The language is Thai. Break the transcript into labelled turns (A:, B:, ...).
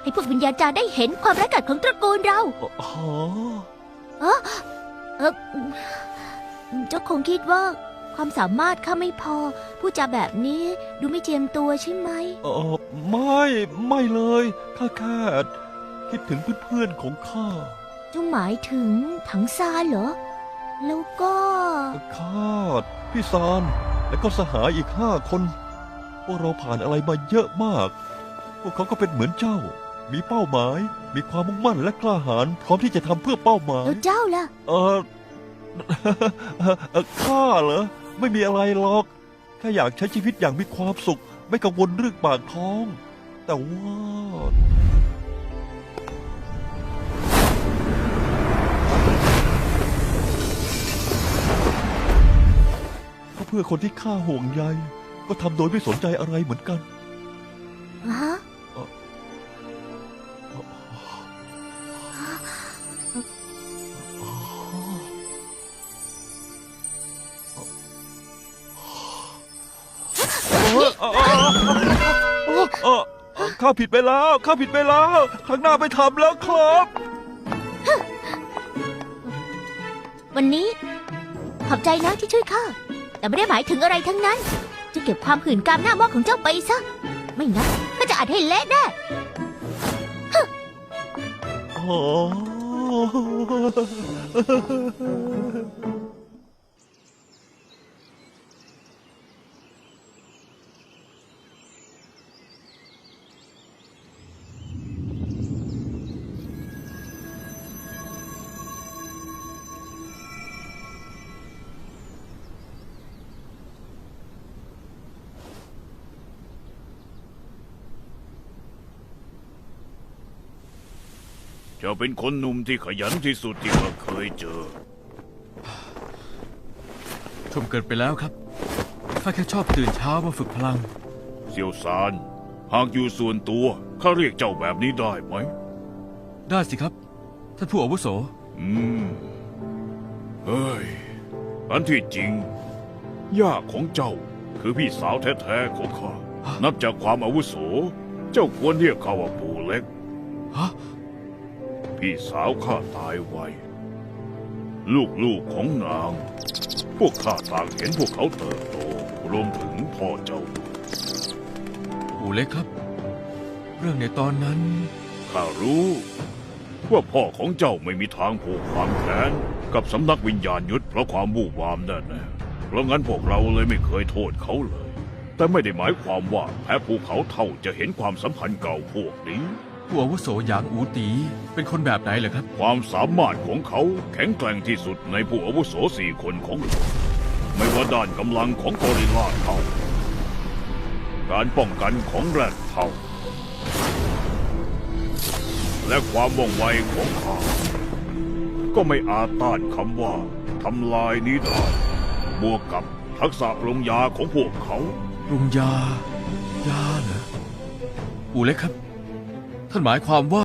A: พวกวิญญาณจารย์ได้เห็นความร้ายกาจของตระกูลเรา
B: อ๋อ
A: เออเจ้าคงคิดว่าความสามารถข้าไม่พอผู้จาแบบนี้ดูไม่เจียมตัวใช่ไหม
B: ไม่เลยข้าแค่คิดถึงเพื่อนๆของข้า
A: เจ้าหมายถึงถังซานเหรอ แล้วก็
B: ข้าพี่ซานและก็สหายอีก5 คนพวกเราผ่านอะไรมาเยอะมาก พวกเขาก็เป็นเหมือนเจ้า มีเป้าหมาย มีความมุ่งมั่นและกล้าหาญพร้อมที่จะทำเพื่อเป้าหมาย
A: แล้วเจ้าล่ะ
B: ข้าเหรอไม่มีอะไรหรอกแค่อยากใช้ชีวิตอย่างมีความสุข ไม่กังวลเรื่องปากท้อง แต่ว่าก็เพื่อคนที่ข้าห่วงใยก็ทำโดยไม่สนใจอะไรเหมือนกัน
A: ฮะ
B: ข้าผิดไปแล้วครั้งหน้าไม่ทำแล้วครับ
A: วันนี้ขอบใจนะที่ช่วยข้า แต่ไม่ได้หมายถึงอะไรทั้งนั้น จะเก็บความหื่นกามหน้ามอกของเจ้าไปซะ ไม่งั้นก็จะอัดให้เละแน่
B: อ๋อ
C: เจ้าเป็นคนหนุ่มที่ขยันที่สุดที่ข้าเคยเจอ
D: ชมเกินไปแล้วครับข้าแค่ชอบตื่นเช้ามาฝึกพลัง
C: เซียวซานหากอยู่ส่วนตัวข้าเรียกเจ้าแบบนี้ได้ไหม
D: ได้สิครับท่านผู้อาวุโส
C: เฮ้ยอันที่จริงย่าของเจ้าคือพี่สาวแท้ๆของข้า นับจากความอาวุโส เจ้าควรเรียกเขาว่าปู่เล็ก
D: ฮะ
C: พี่สาวข้าตายไวลูกๆของนาง พวกข้าต่างเห็นพวกเขาเติบโตรวมถึงพ่อเจ้าด้วย
D: ปู่เล็กครับ เรื่องในตอนนั้น
C: ข้ารู้ว่าพ่อของเจ้าไม่มีทางผูกความแค้นกับสำนักวิญญาณยุทธเพราะความวู่วามแน่ๆเพราะงั้นพวกเราเลยไม่เคยโทษเขาเลย แต่ไม่ได้หมายความว่าแพ้ภูเขาเท่าจะเห็นความสัมพันธ์เก่าพวกนี้
D: ผู้อาวุโสหยางอูตีเป็นคนแบบไหนเหรอครับ
C: ความสามารถของเขาแข็งแกร่งที่สุดในผู้อาวุโส4 คนของโลกไม่ว่าด้านกำลังของกอริลลาเท่าการป้องกันของแรดเท่าและความว่องไวของเขาก็ไม่อาจต้านคำว่าทำลายนี้ได้บวกกับทักษะปรุงยาของพวกเขา
D: ปรุงยาเหรอปู่เล็กครับ ท่านหมายความว่า